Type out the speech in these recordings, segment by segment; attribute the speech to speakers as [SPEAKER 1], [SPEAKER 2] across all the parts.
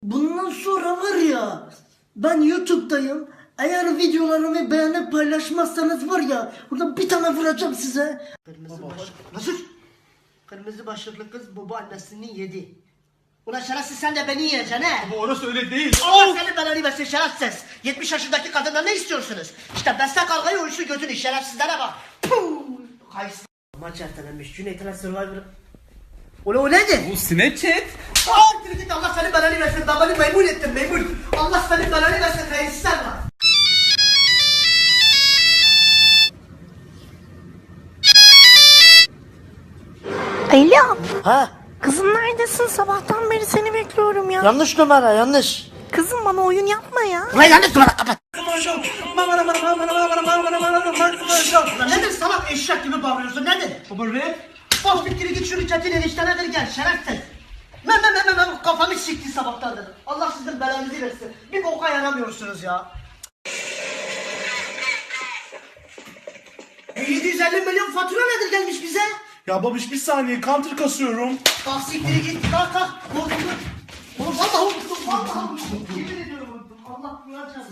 [SPEAKER 1] Bundan sonra var ya, ben YouTube'dayım. Eğer videolarımı beğenip paylaşmazsanız var ya, burada bir tane vuracağım size. Kırmızı başlıklı. Nasıl? Kırmızı başlıklı kız baba annesini yedi. Ulan şerefsiz, sen de beni yiyeceksin he.
[SPEAKER 2] Ama orası öyle değil.
[SPEAKER 1] Allah seni belanı versin şerefsiz. 70 yaşındaki kadından ne istiyorsunuz? İşte besle kavgayı, uyuşu götünü, şerefsizlere bak. Puh! Kayısı. Maç ertelenmiş. Cüneyt'e Survivor. Ulan o nedir?
[SPEAKER 2] Bu Snapchat.
[SPEAKER 1] Git, Allah seni belanı versin. Ben beni memnun ettim, memnun. Allah seni belanı versin. Hayırsızlar var.
[SPEAKER 3] Alo,
[SPEAKER 1] Ha?
[SPEAKER 3] kızım neredesin? Sabahtan beri seni bekliyorum ya.
[SPEAKER 1] Yanlış numara, yanlış.
[SPEAKER 3] Kızım bana oyun yapma ya.
[SPEAKER 1] Ulan yanlış numara, kapat. Ulan nedir salak, eşek gibi bağırıyorsun, nedir?
[SPEAKER 2] Baba rap.
[SPEAKER 1] Bas bir kere git şunu çetin eniştene ver gel, şerefsiz. Kafamı sikti sabahtan dedim. Allah sizin belanızı versin. Bir boka yaramıyorsunuz ya. 750 milyon fatura nedir gelmiş bize?
[SPEAKER 2] Ya babiş bir saniye counter kasıyorum.
[SPEAKER 1] Bak siktiri git, kalk kalk. Korktum. Oğlum vallahi unuttum, vallahi unuttum. Yemin ediyorum unuttum. Allah duyacağız.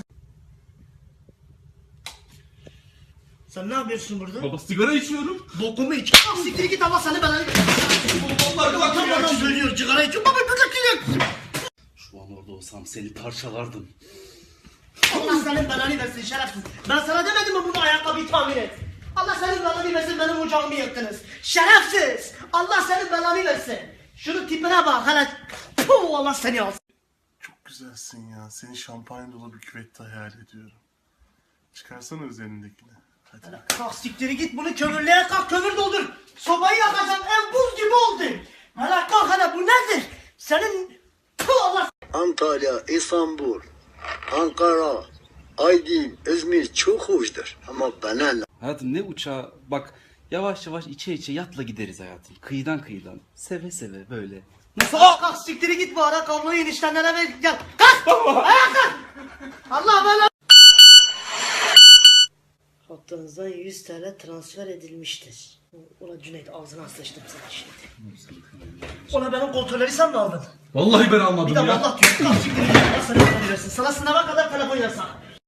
[SPEAKER 1] Sen ne yapıyorsun burada?
[SPEAKER 2] Baba sigara içiyorum.
[SPEAKER 1] Bokumu iç. Bak siktiri git, Allah seni belanı versin.
[SPEAKER 2] Vallahi bak
[SPEAKER 1] Tam adam söylüyor, sigara içiyor. Baba buradaki yok.
[SPEAKER 4] Şu an orada olsam seni parçalardım.
[SPEAKER 1] Allah senin belanı versin şerefsiz. Ben sana demedim mi bunu ayakkabıyı tamir et? Allah senin belanı versin, benim ocağımı yıktınız. Şerefsiz. Allah senin belanı versin. Şunun tipine bak hele. Puh, Allah seni alsın.
[SPEAKER 5] Çok güzelsin ya. Seni şampanya dolu bir küvette hayal ediyorum. Çıkarsana üzerindekini. Hadi.
[SPEAKER 1] Kalk siktiri git, bunu kömürlüğe kalk, kömür doldur. Sobayı yakacağım, ev buz gibi oldu. Hele kalk hele, bu nedir? Senin... Puh, Allah...
[SPEAKER 6] Antalya, İstanbul, Ankara, Aydın, İzmir çok hoştur. Ama bana ne?
[SPEAKER 4] Hayatım ne uçağı bak yavaş yavaş içe içe yatla gideriz hayatım. Kıyıdan kıyıdan. Seve seve böyle.
[SPEAKER 1] Nasıl? Kalk siktiri git, bu ara kabloyu eniştenlere ver, gel. Kalk! Ayağa kalk! Allah bana... Hattınızdan 100 TL transfer edilmiştir. Ulan Cüneyt, ağzına sıçtım sana şimdi. Ulan benim kontrolleri sen mi aldın?
[SPEAKER 2] Vallahi ben almadım
[SPEAKER 1] Bir de
[SPEAKER 2] ya.
[SPEAKER 1] Allah diyor. Kalk siktir git. Allah sana telefon versin. Sana sınava kadar telefon yasak.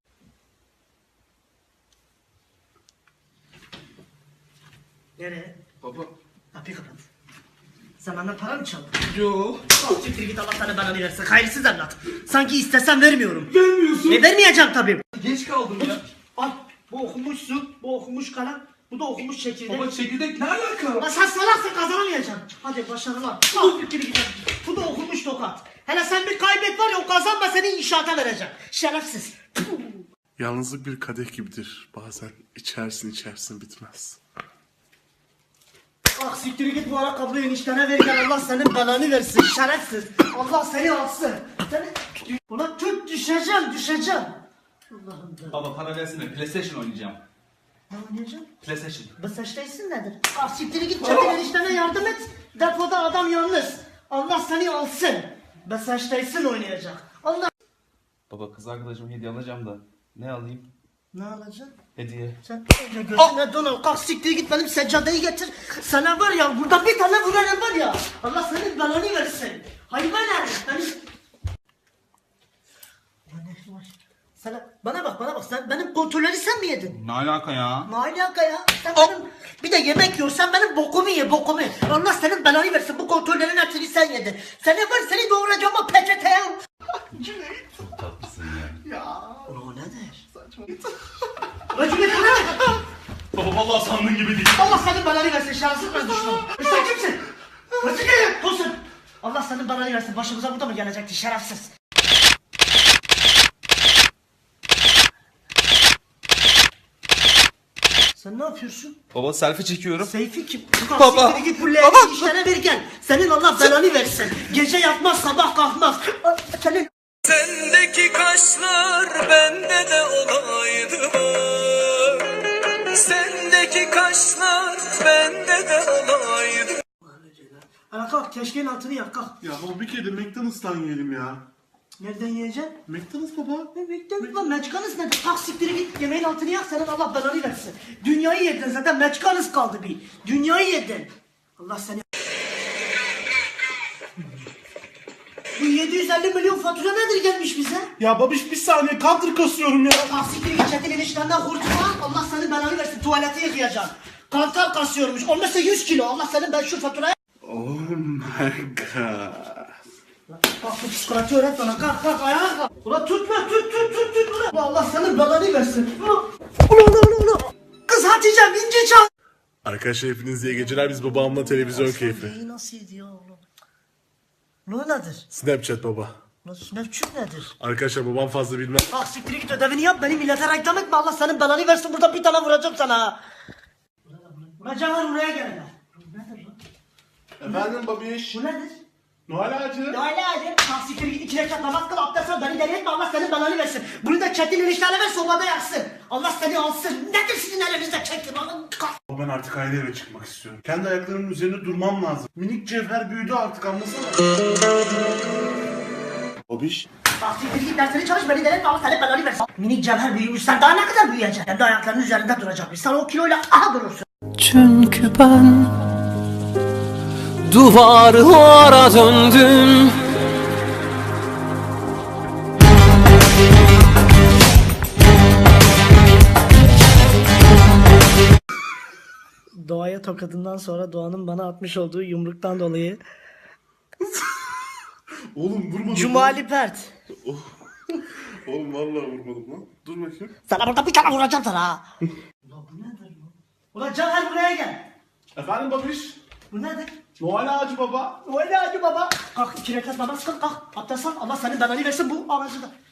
[SPEAKER 1] Nereye?
[SPEAKER 2] Baba.
[SPEAKER 1] Kapıyı kapat. Sen benden para mı çaldın?
[SPEAKER 2] Yo.
[SPEAKER 1] Kalk siktir git, Allah sana belanı versin. Hayırsız evlat. Sanki istesem vermiyorum.
[SPEAKER 2] Vermiyorsun.
[SPEAKER 1] Vermeyeceğim tabii.
[SPEAKER 2] Geç kaldım ya.
[SPEAKER 1] Al. Bu okumuş su, bu okumuş kalem, bu da okumuş çekirdek.
[SPEAKER 2] Baba çekirdek ne alaka?
[SPEAKER 1] Lan sen salaksın, kazanamayacaksın. Hadi başarılar. Al fikri gidelim. Bu da okumuş tokat. Hele sen bir kaybet var ya, o kazanma seni inşaata vereceğim. Şerefsiz.
[SPEAKER 5] Yalnızlık bir kadeh gibidir. Bazen içersin bitmez.
[SPEAKER 1] Ah siktir git, bu ara kabloyu eniştene ver gel, Allah senin belanı versin. Şerefsiz. Allah seni alsın. Seni... Ulan tut, düşeceğim. Allah'ım da.
[SPEAKER 2] Baba para versene PlayStation oynayacağım.
[SPEAKER 1] Ne oynayacağım?
[SPEAKER 2] PlayStation.
[SPEAKER 1] Bu saçtaysın nedir? Ah siktir git, çabuk eniştene yardım et. Depoda adam yalnız. Allah seni alsın. Ben saçtaysın oynayacak. Allah.
[SPEAKER 4] Baba kız arkadaşıma hediye alacağım da ne alayım?
[SPEAKER 1] Ne alacaksın?
[SPEAKER 4] Hediye.
[SPEAKER 1] Sen önce gözüne don al. Kalk siktir git, benim seccadeyi getir. Sana var ya, burada bir tane vuranım var ya. Allah senin belanı versin. Hayvan herif. Sana, bana bak, sen benim kontrolleri sen mi yedin?
[SPEAKER 2] Ne alaka ya?
[SPEAKER 1] Ne alaka ya? Sen benim, bir de yemek yiyorsan benim bokumu ye, bokumu. Allah senin belanı versin, bu kontrollerin hepsini sen yedin. Seni doğuracağım o peçeteye.
[SPEAKER 4] Çok tatlısın ya.
[SPEAKER 1] Ulan o nedir? Ulan Cüneyt, bu ne?
[SPEAKER 2] Baba vallahi sandığın gibi değil.
[SPEAKER 1] Allah senin belanı versin, şanssız ben düştüm. Sen kimsin? Nasıl gelin? Tosun. Allah senin belanı versin, başımıza burada mı gelecekti şerefsiz? Sen ne yapıyorsun?
[SPEAKER 4] Baba selfie çekiyorum.
[SPEAKER 1] Seyfi kim?
[SPEAKER 4] Baba.
[SPEAKER 1] Siktir git bu leğeni işlere ver gel. Senin Allah belanı versin. Gece yatmaz, sabah kalkmaz. Senin...
[SPEAKER 7] Sendeki kaşlar bende de olaydı var. Sendeki kaşlar bende de olaydı.
[SPEAKER 1] Ana kalk, keşkeğin altını yak kalk.
[SPEAKER 5] Ya baba bir kere de McDonald's'tan yiyelim ya.
[SPEAKER 1] Nereden yiyeceksin?
[SPEAKER 5] McDonald's baba.
[SPEAKER 1] Bekle lan, meçkanız nedir? Kalk siktiri git, yemeğin altını yak, senin Allah belanı versin. Dünyayı yedin zaten, meçkanız kaldı bir. Dünyayı yedin. Allah seni... Bu 750 milyon fatura nedir gelmiş bize?
[SPEAKER 5] Ya babiş bir saniye counter kasıyorum ya.
[SPEAKER 1] Taksikleri geçetin eniştenden kurtulma. Allah senin belanı versin, tuvalete yıkayacaksın. Kantar kasıyormuş. Olmazsa 100 kilo. Allah senin ben şu faturaya...
[SPEAKER 5] Oh my god.
[SPEAKER 1] Kalk bu psikoloji öğret bana. Kalk ayağa kalk. Ulan tutma tut. Ulan Allah senin belanı versin. Ulan. Kız Hatice'm ince çal.
[SPEAKER 5] Arkadaşlar hepiniz iyi geceler. Biz babamla televizyon keyfi.
[SPEAKER 1] Neyi nasıl ediyor oğlum? Ne nedir?
[SPEAKER 5] Snapchat baba.
[SPEAKER 1] Nasıl Snapchat nedir?
[SPEAKER 5] Arkadaşlar babam fazla bilmez.
[SPEAKER 1] Kalk siktir git ödevini yap. Beni millete reklam etme. Allah senin belanı versin. Burada bir tane vuracağım sana. Ulan Caner buraya gel. Bu nedir lan?
[SPEAKER 5] Efendim babiş.
[SPEAKER 1] Bu nedir?
[SPEAKER 5] Noel ağacı.
[SPEAKER 1] Öyle hadi. Kalk siktir git 2 rekat namaz kıl. Abdest al. Beni deli etme. Allah senin belanı versin. Bunu da çetin eniştene ver. Sobada yaksın. Allah seni alsın. Nedir sizin elinizde çetin? Kalk.
[SPEAKER 5] Ben artık ayrı eve çıkmak istiyorum. Kendi ayaklarımın üzerinde durmam lazım. Minik cevher büyüdü artık anlasana. Babiş.
[SPEAKER 1] Kalk siktir git dersini çalış. Beni deli etme. Allah senin belanı versin. Minik cevher büyümüş. Sen daha ne kadar büyüyeceksin? Kendi ayaklarının üzerinde duracakmış. Sen o kiloyla aha durursun.
[SPEAKER 7] Çünkü ben duvarlara döndüm.
[SPEAKER 1] Doğa'ya tokadından sonra Doğan'ın bana atmış olduğu yumruktan dolayı
[SPEAKER 5] Oğlum vurmadım.
[SPEAKER 1] Cumali Pert.
[SPEAKER 5] Oğlum vallahi vurmadım lan. Dur bakayım.
[SPEAKER 1] Sana burada bir tane vuracağım sana ha. Ulan bu nedir bu? Ulan Caner buraya gel.
[SPEAKER 5] Efendim babiş.
[SPEAKER 1] Bu nedir?
[SPEAKER 5] Noel ağacı baba.
[SPEAKER 1] Öyle hadi baba. Kalk 2 rekat namaz kıl kalk. Abdest al. Allah senin belanı versin bu ağacı da.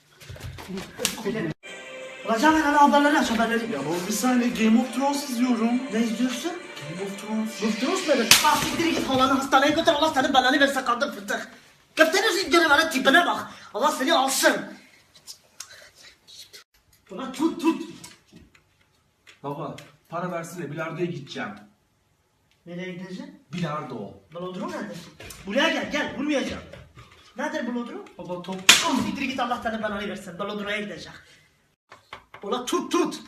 [SPEAKER 1] Ulan Caner hadi haberleri aç haberleri.
[SPEAKER 5] Ya baba bir saniye Game of Thrones izliyorum.
[SPEAKER 1] Ne izliyorsun?
[SPEAKER 5] Game of Thrones.
[SPEAKER 1] Bıktınız nedir? Kalk siktir git halanı hastaneye götür. Allah senin belanı versin kadın fıtık. Götürürsün canavarın tipine bak. Allah seni alsın. Ulan tut.
[SPEAKER 2] Baba para versene bilardoya gideceğim.
[SPEAKER 1] Nereye gideceksin?
[SPEAKER 2] Bilardo.
[SPEAKER 1] Blodrum nedir? Buraya gel vurmayacağım. Nedir Blodrum?
[SPEAKER 2] Baba top.
[SPEAKER 1] Al siktir git Allah senin belanı versin. Blodrum'a gidecek. Ulan tut.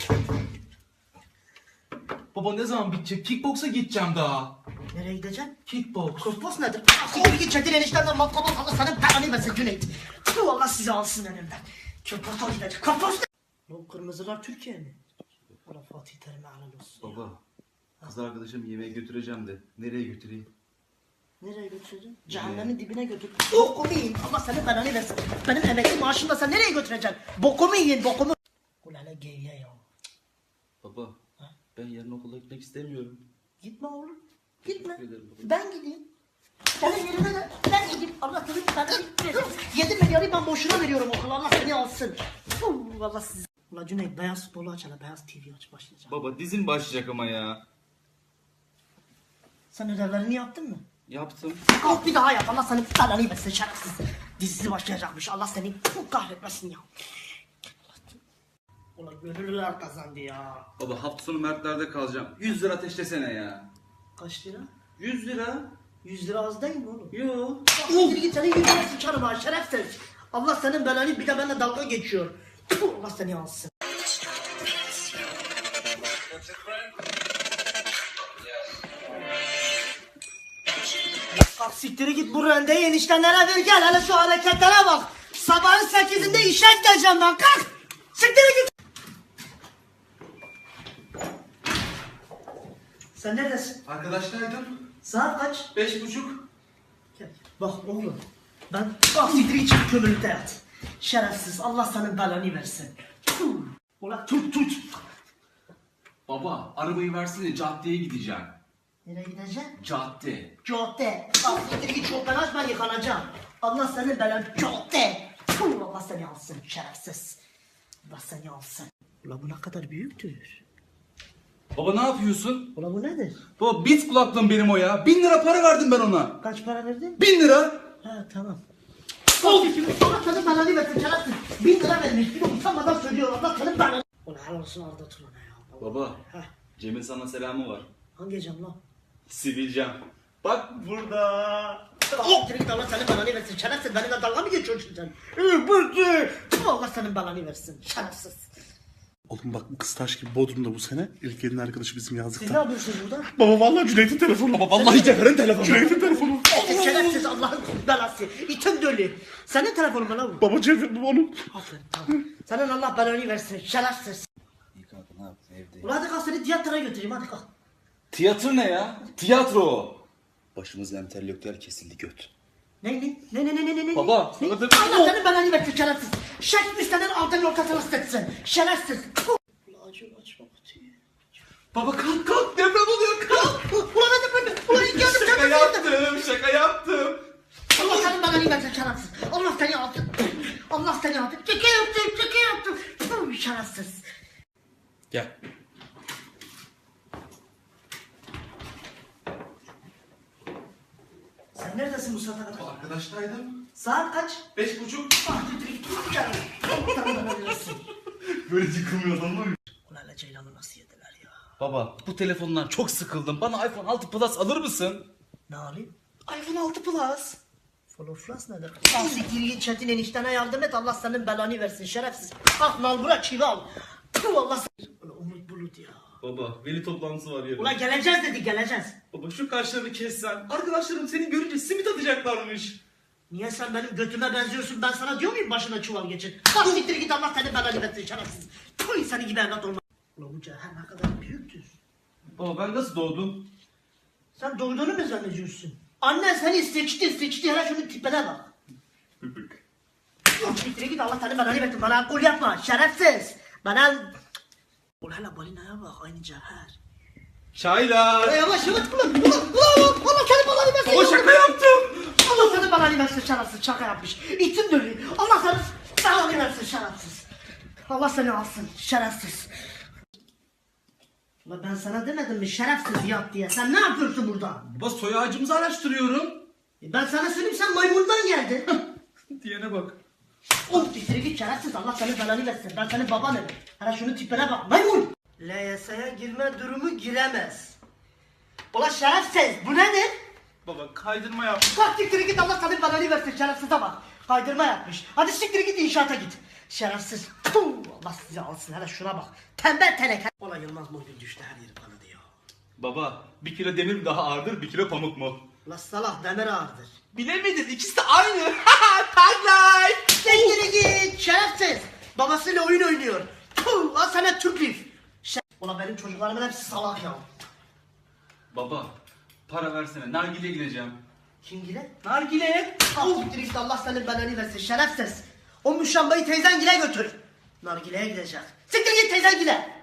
[SPEAKER 2] Baba ne zaman bitecek? Kickboksa gideceğim daha.
[SPEAKER 1] Nereye gideceksin?
[SPEAKER 2] Kickboks.
[SPEAKER 1] Kosmos nedir? Siktir git çetin eniştenden matkabı Allah senin belanı versin Cüneyt. Tüh Allah sizi alsın önümden. Köpata gidecek. Kosmos ne? Bu kırmızılar Türkiye mi? Allah Fatih Terim'e helal olsun.
[SPEAKER 4] Baba, kız arkadaşım yemeğe götüreceğim de nereye götüreyim?
[SPEAKER 1] Nereye götüreceksin? Cehennemin dibine götür. Bokumu yiyin. Allah senin belanı versin. Benim emekli maaşımda sen nereye götüreceksin? Bokumu yiyin bokumu. Ulan ne geyye ya.
[SPEAKER 4] Baba, ben yarın okula gitmek istemiyorum.
[SPEAKER 1] Gitme oğlum. Gitme.
[SPEAKER 4] Teşekkür ederim baba.
[SPEAKER 1] Ben gideyim. Senin yerine de ben gideyim. Allah senin belanı versin. 7 milyarı ben boşuna veriyorum okula. Allah seni alsın. Allah sizi. Ulan Cüneyt beyaz futbolu aç hele. Beyaz TV aç başlayacağım.
[SPEAKER 4] Baba dizin başlayacak ama ya.
[SPEAKER 1] Sen ödevlerini yaptın mı?
[SPEAKER 4] Yaptım.
[SPEAKER 1] Kalk bir daha yap. Allah senin belanı versin şerefsiz. Dizisi başlayacakmış. Allah seni kahretmesin ya. Ulan gönüllüler kazandı ya.
[SPEAKER 4] Baba hafta sonu Mertler'de kalacağım. 100 lira ateşlesene ya.
[SPEAKER 1] Kaç lira?
[SPEAKER 4] 100 lira?
[SPEAKER 1] 100 lira az değil mi oğlum?
[SPEAKER 4] Yo.
[SPEAKER 1] Siktir git senin 100 lira sıçarım ha şerefsiz. Allah senin belanı bir de benimle dalga geçiyor. Tfu, Allah seni alsın. Kalk siktiri git bu rendeyi eniştenlere ver gel hele şu hareketlere bak. Sabahın 8'inde işe gideceğim ben kalk. Siktiri git. Sen neredesin?
[SPEAKER 2] Arkadaşlardım.
[SPEAKER 1] Saat kaç?
[SPEAKER 2] 5.30.
[SPEAKER 1] Gel. Bak oğlum ben bak siktir için kömürlükte yat. Şerefsiz Allah senin belanı versin. Tüh. Ulan tut.
[SPEAKER 2] Baba arabayı versene caddeye gideceğim.
[SPEAKER 1] Nereye gideceksin?
[SPEAKER 2] Cadde.
[SPEAKER 1] Cadde. Bak siktir git çok ben aç ben yıkanacağım. Allah senin belanı cadde. Tüh, Allah seni alsın şerefsiz. Allah seni alsın. Ulan bu ne kadar büyüktür.
[SPEAKER 4] Baba ne yapıyorsun?
[SPEAKER 1] Ulan bu nedir?
[SPEAKER 4] Baba bit kulaklığım benim o ya. 1000 lira para verdim ben ona.
[SPEAKER 1] Kaç para verdin?
[SPEAKER 4] 1000 lira.
[SPEAKER 1] Ha tamam. Allah senin belanı versin şerefsiz. 1000 lira vermiş. Bir de utanmadan söylüyor Allah senin belanı. Ulan helal olsun Arda Turan'a ya.
[SPEAKER 4] Baba,
[SPEAKER 1] Heh.
[SPEAKER 4] Cem'in sana selamı var.
[SPEAKER 1] Hangi cam lan?
[SPEAKER 4] Sivilcem. Bak burada.
[SPEAKER 1] Oh! Direkt Allah senin belanı versin. Şerefsiz benimle dalga mı geçiyorsun sen? Bıktı! Allah senin belanı versin. Şerefsiz.
[SPEAKER 5] Oğlum bak bu kız taş gibi Bodrum'da bu sene. İlk elin arkadaşı bizim
[SPEAKER 1] Siz ne
[SPEAKER 5] yazlıkta.
[SPEAKER 1] yapıyorsunuz burada?
[SPEAKER 5] Baba vallahi Cüneyt'in telefonu. Baba
[SPEAKER 4] Vallahi Cevher'in telefonu.
[SPEAKER 5] Cüneyt'in telefonu.
[SPEAKER 1] Şerefsiz Allah'ın belası. İtin dölü. Senin telefonun bana vur.
[SPEAKER 5] Baba çevirdim onu.
[SPEAKER 1] Aferin tamam. Senin Allah belanı versin. Şerefsiz.
[SPEAKER 4] İyi kanka ne yaptın evde?
[SPEAKER 1] Ulan hadi kalk seni tiyatroya götüreyim hadi kalk.
[SPEAKER 4] Tiyatro ne ya? Tiyatro o. Başımız entelektüel kesildi göt.
[SPEAKER 1] Ne?
[SPEAKER 4] Baba,
[SPEAKER 1] Ne?
[SPEAKER 4] sana dedim.
[SPEAKER 1] Allah senin belanı versin şerefsiz. Şerefsiz senin altının ortasını ısıtsın. Şerefsiz. Ulan açma kutuyu.
[SPEAKER 2] Baba kalk deprem oluyor kalk.
[SPEAKER 1] Ulan hadi böyle. Ulan ilk yardım
[SPEAKER 2] Şaka yaptım şaka yaptım.
[SPEAKER 1] Allah senin belanı versin şerefsiz. Allah seni alsın. Allah seni alsın. Şaka yaptım. Puh, şerefsiz.
[SPEAKER 4] Gel.
[SPEAKER 1] Sen neredesin bu saate kadar?
[SPEAKER 2] Arkadaştaydım.
[SPEAKER 1] Saat kaç?
[SPEAKER 2] 5.30.
[SPEAKER 1] Ah titrik. Allah senin belanı versin.
[SPEAKER 5] Böyle yıkılmıyor adamlar.
[SPEAKER 1] Ulan Ceylan'ı nasıl yediler ya?
[SPEAKER 4] Baba bu telefondan çok sıkıldım. Bana iPhone 6 Plus alır mısın?
[SPEAKER 1] Ne alayım?
[SPEAKER 4] iPhone 6 Plus.
[SPEAKER 1] Floflas nedir? Al siktir git Çetin eniştene yardım et Allah senin belanı versin şerefsiz. Kalk nal bırak çivi al. Puh Allah sen. Ulan Umut Bulut ya.
[SPEAKER 2] Baba veli toplantısı var yarın.
[SPEAKER 1] Ulan geleceğiz dedi geleceğiz.
[SPEAKER 2] Baba şu kaşlarını kessen. Arkadaşlarım seni görünce simit atacaklarmış.
[SPEAKER 1] Niye sen benim götüme benziyorsun ben sana diyor muyum başına çuval geçin. Kalk siktir git Allah senin belanı versin şerefsiz. Puh seni gibi evlat olmaz. Ulan bu cehennem ne kadar büyüktür.
[SPEAKER 4] Baba ben nasıl doğdum?
[SPEAKER 1] Sen doğduğunu mu zannediyorsun? Annen seni seçti hele şunun tipine bak. Siktir git Allah senin belanı versin bana kul yapma şerefsiz. Bana... Ulan hele balinaya bak aynı cevher.
[SPEAKER 2] Çaylar.
[SPEAKER 1] Yavaş ulan Allah senin belanı versin.
[SPEAKER 2] Baba şaka yaptım.
[SPEAKER 1] Allah senin belanı versin şerefsiz şaka yapmış. İçim dönüyor. Allah senin belanı versin şerefsiz. Allah seni alsın şerefsiz. Ulan ben sana demedim mi şerefsiz yat diye. Sen ne yapıyorsun burada?
[SPEAKER 2] Baba soy ağacımızı araştırıyorum.
[SPEAKER 1] Ben sana söyleyeyim sen maymundan geldin.
[SPEAKER 2] Diyene bak.
[SPEAKER 1] Oğlum dikleri git şerefsiz Allah senin belanı versin. Ben senin babanım. Hala şunun tipine bak maymun. LYS'ye girme durumu giremez. Ulan şerefsiz bu nedir?
[SPEAKER 2] Baba kaydırma yap.
[SPEAKER 1] Kalk siktir git Allah senin belanı versin şerefsize bak. Kaydırma yapmış. Hadi siktir git inşaata git. Şerefsiz. Puh, Allah sizi alsın hele şuna bak. Tembel teneke. Ulan Yılmaz Morgül düştü her yeri kanadı ya.
[SPEAKER 2] Baba 1 kilo demir mi daha ağırdır 1 kilo pamuk mu?
[SPEAKER 1] Ulan salak demir ağırdır.
[SPEAKER 2] Bilemedin ikisi de aynı. Tagline.
[SPEAKER 1] Siktir git şerefsiz. Babasıyla oyun oynuyor. Puh, lan sana Türk lif. Ulan benim çocuklarımın hepsi salak ya.
[SPEAKER 4] Baba para versene nargileye gideceğim.
[SPEAKER 1] Kim gile?
[SPEAKER 2] Nargile.
[SPEAKER 1] Al siktir git Allah senin belanı versin şerefsiz. O müşambayı teyzen gile götür. Nargile'ye gidecek. Siktir git teyzen gile.